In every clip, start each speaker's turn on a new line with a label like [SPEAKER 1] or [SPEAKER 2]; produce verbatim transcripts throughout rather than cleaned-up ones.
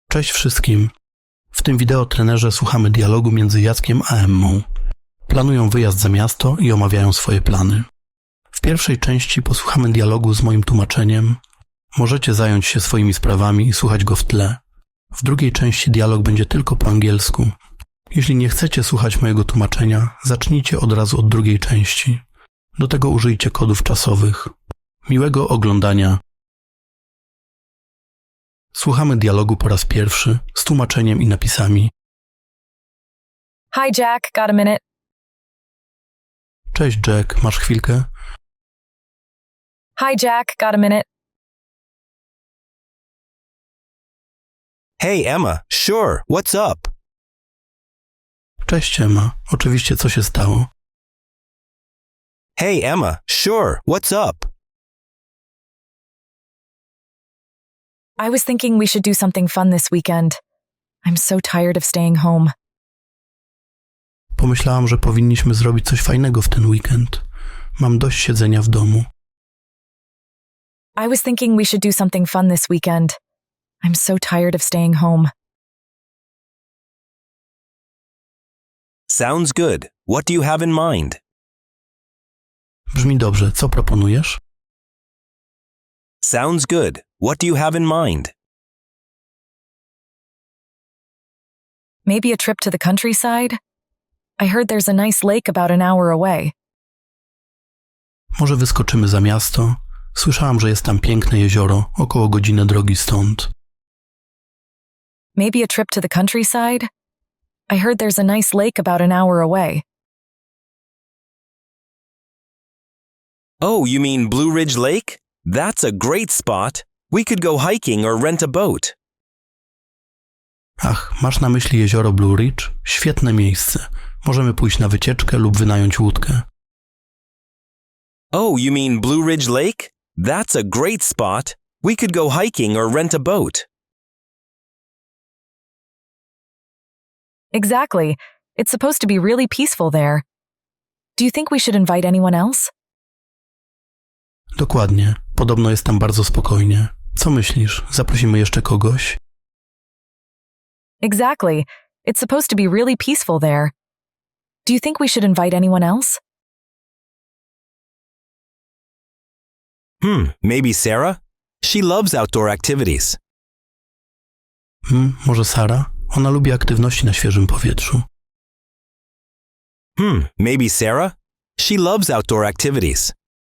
[SPEAKER 1] Cześć wszystkim. W tym wideo trenerze słuchamy dialogu między Jackiem a Emmą. Planują wyjazd za miasto i omawiają swoje plany. W pierwszej części posłuchamy dialogu z moim tłumaczeniem. Możecie zająć się swoimi sprawami i słuchać go w tle. W drugiej części dialog będzie tylko po angielsku. Jeśli nie chcecie słuchać mojego tłumaczenia, zacznijcie od razu od drugiej części. Do tego użyjcie kodów czasowych. Miłego oglądania. Słuchamy dialogu po raz pierwszy z tłumaczeniem i napisami.
[SPEAKER 2] Hi, Jack. Got a minute?
[SPEAKER 1] Cześć Jack, masz chwilkę?
[SPEAKER 2] Hi, Jack. Got a minute?
[SPEAKER 3] Hey, Emma. Sure. What's up?
[SPEAKER 1] Cześć Emma, oczywiście co się stało?
[SPEAKER 3] Hey, Emma. Sure. What's up?
[SPEAKER 2] I was thinking we should do something fun this weekend. I'm so tired of staying home.
[SPEAKER 1] Pomyślałam, że powinniśmy zrobić coś fajnego w ten weekend. Mam dość siedzenia w domu.
[SPEAKER 2] I was thinking we should do something fun this weekend. I'm so tired of staying home.
[SPEAKER 3] Sounds good. What do you have in mind?
[SPEAKER 1] Brzmi dobrze, co proponujesz?
[SPEAKER 3] Sounds good. What do you have in mind?
[SPEAKER 2] Maybe a trip to the countryside? I heard there's a nice lake about an hour away.
[SPEAKER 1] Może wyskoczymy za miasto? Słyszałam, że jest tam piękne jezioro, około godziny drogi stąd.
[SPEAKER 2] Maybe a trip to the countryside? I heard there's a nice lake about an hour away.
[SPEAKER 3] Oh, you mean Blue Ridge Lake? That's a great spot. We could go hiking or rent a boat.
[SPEAKER 1] Ach, masz na myśli jezioro Blue Ridge? Świetne miejsce. Możemy pójść na wycieczkę lub wynająć łódkę.
[SPEAKER 3] Oh, you mean Blue Ridge Lake? That's a great spot. We could go hiking or rent a boat.
[SPEAKER 2] Exactly. It's supposed to be really peaceful there. Do you think we should invite anyone else?
[SPEAKER 1] Dokładnie. Podobno jest tam bardzo spokojnie. Co myślisz? Zaprosimy jeszcze kogoś?
[SPEAKER 2] Exactly. It's supposed to be really peaceful there. Do you think we should invite anyone else?
[SPEAKER 3] Hmm, maybe Sarah? She loves outdoor activities.
[SPEAKER 1] Hmm, może Sara? Ona lubi aktywności na świeżym powietrzu.
[SPEAKER 3] Hmm, maybe Sarah? She loves outdoor activities.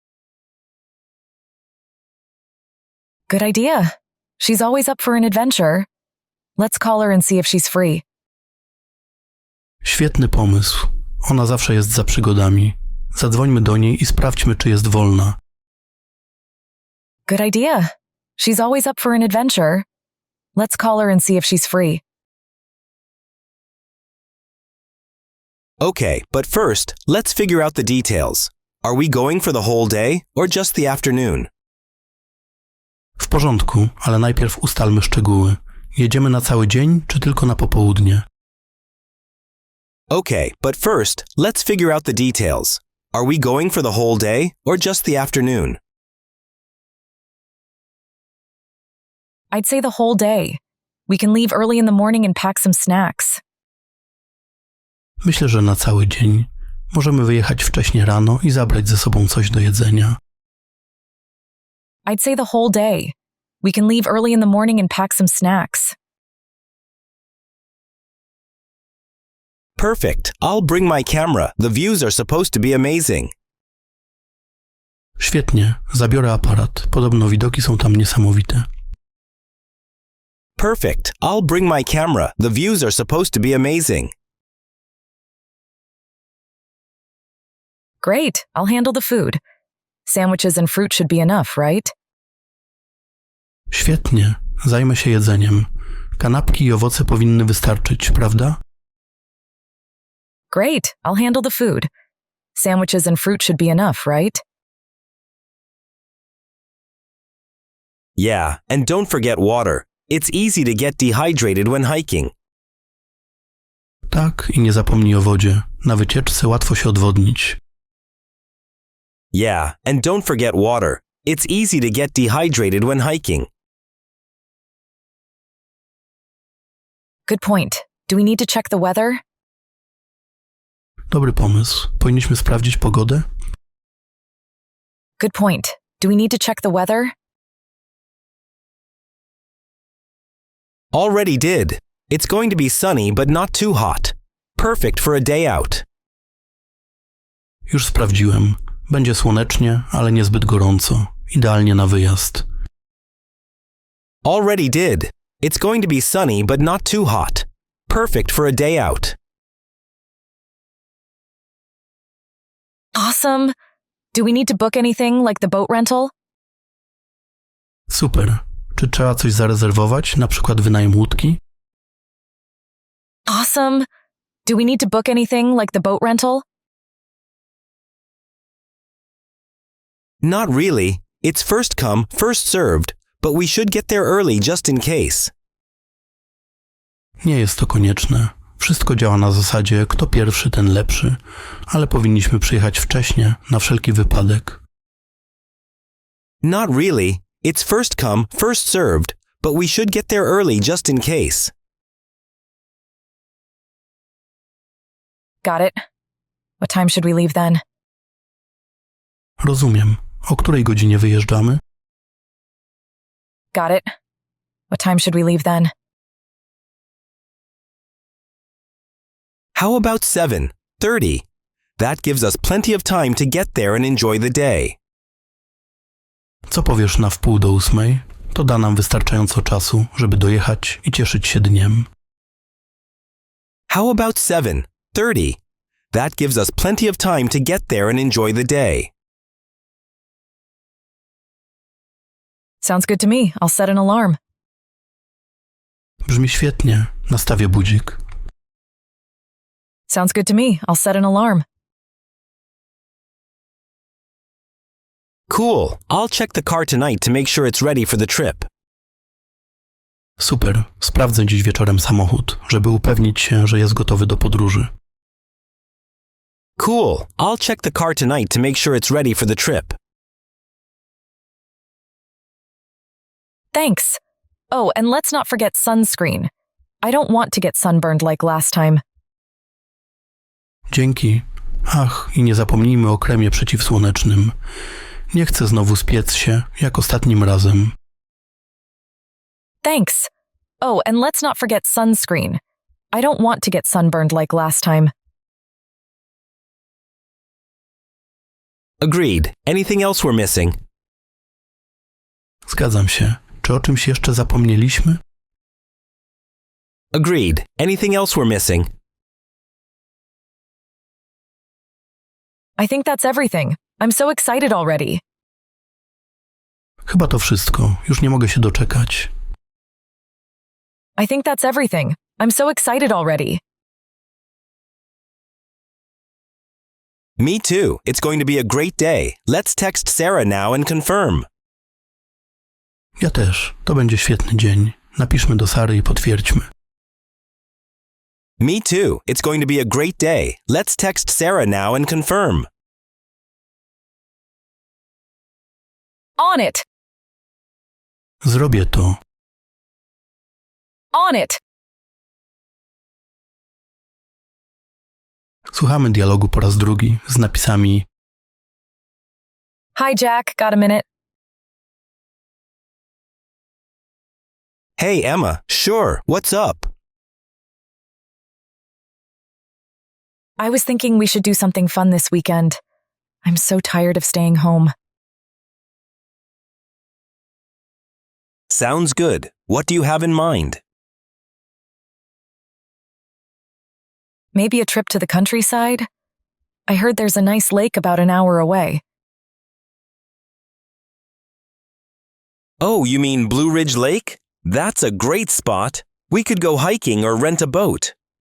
[SPEAKER 2] Good idea. She's always up for an adventure. Let's call her and see if she's free.
[SPEAKER 1] Świetny pomysł. Ona zawsze jest za przygodami. Zadzwońmy do niej i sprawdźmy, czy jest wolna.
[SPEAKER 2] Good idea. She's always up for an adventure. Let's call her and see if she's free.
[SPEAKER 3] Okay, but first, let's figure out the details. Are we going for the whole day or just the afternoon?
[SPEAKER 1] W porządku, ale najpierw ustalmy szczegóły. Jedziemy na cały dzień, czy tylko na popołudnie?
[SPEAKER 3] Okay, but first, let's figure out the details. Are we going for the whole day or just the afternoon?
[SPEAKER 2] I'd say the whole day. We can leave early in the morning and pack some snacks.
[SPEAKER 1] Myślę, że na cały dzień. Możemy wyjechać wcześnie rano i zabrać ze sobą coś do jedzenia.
[SPEAKER 2] I'd say the whole day. We can leave early in the morning and pack some snacks.
[SPEAKER 3] Perfect. I'll bring my camera. The views are supposed to be amazing.
[SPEAKER 1] Świetnie, zabiorę aparat. Podobno widoki są tam niesamowite.
[SPEAKER 3] Perfect. I'll bring my camera. The views are supposed to be amazing.
[SPEAKER 2] Great. I'll handle the food. Sandwiches and fruit should be enough, right?
[SPEAKER 1] Świetnie, zajmę się jedzeniem. Kanapki i owoce powinny wystarczyć, prawda?
[SPEAKER 2] Great. I'll handle the food. Sandwiches and fruit should be enough, right?
[SPEAKER 3] Yeah, and don't forget water. It's easy to get dehydrated when hiking.
[SPEAKER 1] Tak, i nie zapomnij o wodzie. Na wycieczce łatwo się odwodnić.
[SPEAKER 3] Yeah, and don't forget water. It's easy to get dehydrated when hiking.
[SPEAKER 2] Good point. Do we need to check the weather?
[SPEAKER 1] Dobry pomysł. Powinniśmy sprawdzić pogodę?
[SPEAKER 2] Good point. Do we need to check the weather?
[SPEAKER 3] Already did. It's going to be sunny but not too hot. Perfect for a day out.
[SPEAKER 1] Już sprawdziłem. Będzie słonecznie, ale niezbyt gorąco. Idealnie na wyjazd.
[SPEAKER 3] Already did. It's going to be sunny but not too hot. Perfect for a day out.
[SPEAKER 2] Awesome. Do we need to book anything like the boat rental?
[SPEAKER 1] Super. Czy trzeba coś zarezerwować, na przykład wynajem łódki?
[SPEAKER 2] Awesome. Do we need to book anything like the boat rental?
[SPEAKER 3] Not really. It's first come, first served, but we should get there early just in case.
[SPEAKER 1] Nie jest to konieczne. Wszystko działa na zasadzie kto pierwszy, ten lepszy, ale powinniśmy przyjechać wcześnie, na wszelki wypadek.
[SPEAKER 3] Not really. It's first come, first served, but we should get there early just in case.
[SPEAKER 2] Got it. What time should we leave then?
[SPEAKER 1] Rozumiem. O której godzinie wyjeżdżamy?
[SPEAKER 2] Got it. What time should we leave then?
[SPEAKER 3] How about seven thirty? That gives us plenty of time to get there and enjoy the day.
[SPEAKER 1] Co powiesz na wpół do ósmej? To da nam wystarczająco czasu, żeby dojechać i cieszyć się dniem.
[SPEAKER 3] How about seven thirty? That gives us plenty of time to get there and enjoy the day.
[SPEAKER 2] Sounds good to me. I'll set an alarm.
[SPEAKER 1] Brzmi świetnie. Nastawię budzik.
[SPEAKER 2] Sounds good to me. I'll set an alarm.
[SPEAKER 3] Cool. I'll check the car tonight to make sure it's ready for the trip.
[SPEAKER 1] Super. Sprawdzę dziś wieczorem samochód, żeby upewnić się, że jest gotowy do podróży.
[SPEAKER 3] Cool. I'll check the car tonight to make sure it's ready for the trip.
[SPEAKER 2] Thanks. Oh, and let's not forget sunscreen. I don't want to get sunburned like last time.
[SPEAKER 1] Dzięki. Ach, i nie zapomnijmy o kremie przeciwsłonecznym. Nie chcę znowu spiec się, jak ostatnim razem.
[SPEAKER 2] Thanks. Oh, and let's not forget sunscreen. I don't want to get sunburned like last time.
[SPEAKER 3] Agreed. Anything else we're missing?
[SPEAKER 1] Zgadzam się. Czy o czymś jeszcze zapomnieliśmy?
[SPEAKER 3] Agreed. Anything else we're missing?
[SPEAKER 2] I think that's everything. I'm so excited already.
[SPEAKER 1] Chyba to wszystko. Już nie mogę się doczekać.
[SPEAKER 2] I think that's everything. I'm so excited already.
[SPEAKER 3] Me too. It's going to be a great day. Let's text Sarah now and confirm.
[SPEAKER 1] Ja też. To będzie świetny dzień. Napiszmy do Sary i potwierdźmy.
[SPEAKER 3] Me too. It's going to be a great day. Let's text Sarah now and confirm.
[SPEAKER 2] On it.
[SPEAKER 1] Zrobię to.
[SPEAKER 2] On it.
[SPEAKER 1] Słuchamy dialogu po raz drugi z napisami
[SPEAKER 2] Hi, Jack. Got a minute?
[SPEAKER 3] Hey, Emma. Sure. What's up?
[SPEAKER 2] I was thinking we should do something fun this weekend. I'm so tired of staying home.
[SPEAKER 3] Sounds good. What do you have in mind?
[SPEAKER 2] Maybe a trip to the countryside? I heard there's a nice lake about an hour away.
[SPEAKER 3] Oh, you mean Blue Ridge Lake? That's a great spot. We could go hiking or rent a boat.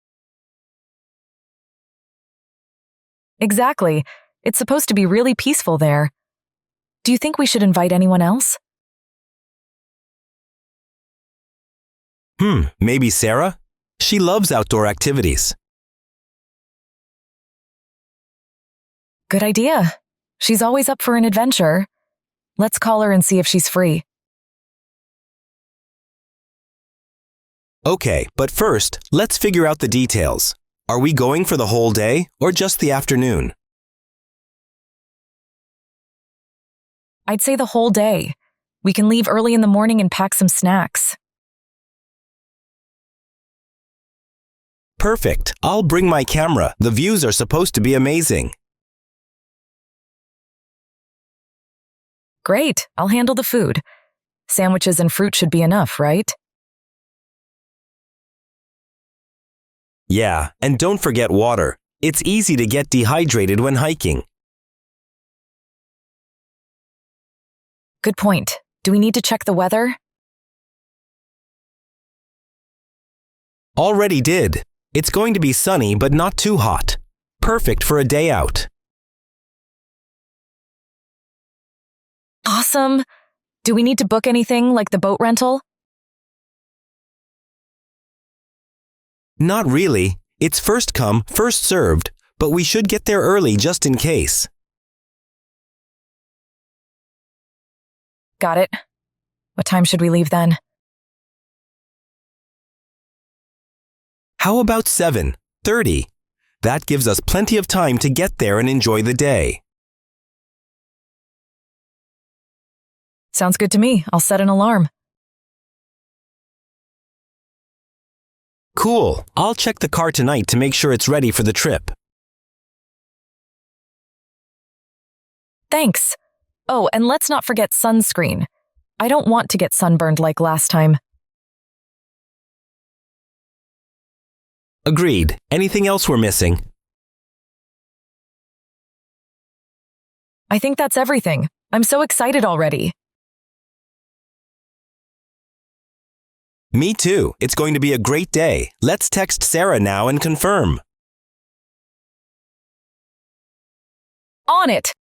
[SPEAKER 2] Exactly. It's supposed to be really peaceful there. Do you think we should invite anyone else?
[SPEAKER 3] Hmm, maybe Sarah? She loves outdoor activities.
[SPEAKER 2] Good idea. She's always up for an adventure. Let's call her and see if she's free.
[SPEAKER 3] Okay, but first, let's figure out the details. Are we going for the whole day or just the afternoon?
[SPEAKER 2] I'd say the whole day. We can leave early in the morning and pack some snacks.
[SPEAKER 3] Perfect. I'll bring my camera. The views are supposed to be amazing.
[SPEAKER 2] Great, I'll handle the food. Sandwiches and fruit should be enough, right?
[SPEAKER 3] Yeah, and don't forget water. It's easy to get dehydrated when hiking.
[SPEAKER 2] Good point. Do we need to check the weather?
[SPEAKER 3] Already did. It's going to be sunny but not too hot. Perfect for a day out.
[SPEAKER 2] Awesome. Do we need to book anything like the boat rental?
[SPEAKER 3] Not really. It's first come, first served, but we should get there early just in case.
[SPEAKER 2] Got it. What time should we leave then?
[SPEAKER 3] How about seven thirty? That gives us plenty of time to get there and enjoy the day.
[SPEAKER 2] Sounds good to me. I'll set an alarm.
[SPEAKER 3] Cool. I'll check the car tonight to make sure it's ready for the trip.
[SPEAKER 2] Thanks. Oh, and let's not forget sunscreen. I don't want to get sunburned like last time.
[SPEAKER 3] Agreed. Anything else we're missing?
[SPEAKER 2] I think that's everything. I'm so excited already.
[SPEAKER 3] Me too. It's going to be a great day. Let's text Sarah now and confirm.
[SPEAKER 2] On it!